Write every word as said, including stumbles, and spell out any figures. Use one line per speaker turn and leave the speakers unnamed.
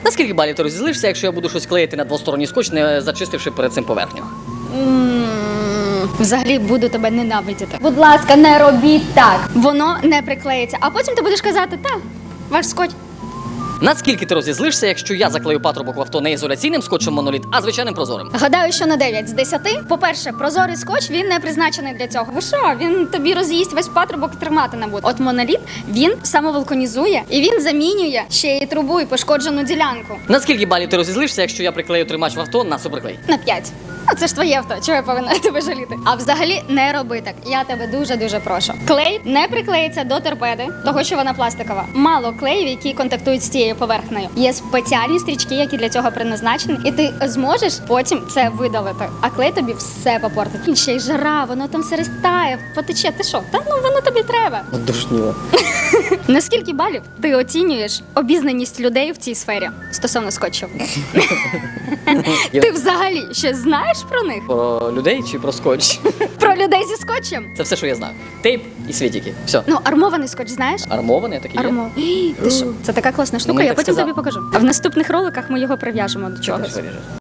Наскільки балів ти розізлишся, якщо я буду щось клеїти на двосторонній скотч, не зачистивши перед цим поверхню?
М, Взагалі буду тебе ненавидіти. Будь ласка, не робіть так. Воно не приклеїться. А потім ти будеш казати, та, ваш скотч.
Наскільки ти розізлишся, якщо я заклею патрубок в авто не ізоляційним скотчем моноліт, а звичайним прозорим?
Гадаю, що на дев'ять з десяти. По-перше, прозорий скотч, він не призначений для цього. Ви що, він тобі роз'їсть весь патрубок і тримати не буде. От моноліт, він самовулканізує і він замінює ще й трубу і пошкоджену ділянку.
Наскільки балів ти розізлишся, якщо я приклею тримач в авто на суперклей?
На п'ять. А це ж твоє авто, чого я повинна тебе жаліти? А взагалі не роби так. Я тебе дуже-дуже прошу. Клей не приклеїться до торпеди, того що вона пластикова. Мало клеїв, які контактують з цією поверхнею. Є спеціальні стрічки, які для цього призначені, і ти зможеш потім це видалити. А клей тобі все попортить. І ще й жара, воно там все розтає, потече. Ти що? Та ну воно тобі треба.
Душніло.
На скільки балів ти оцінюєш обізнаність людей в цій сфері стосовно скотчів? Ти взагалі ще знаєш про них?
Про людей чи про скотч?
Про людей зі скотчем?
Це все, що я знаю. Тейп і світики. Все.
Ну, армований скотч знаєш?
Армований такий є?
Армо. Ти що? Це така класна штука,
мені
я
так
потім
сказав.
тобі покажу. А в наступних роликах ми його прив'яжемо до чогось.
Виріжеш.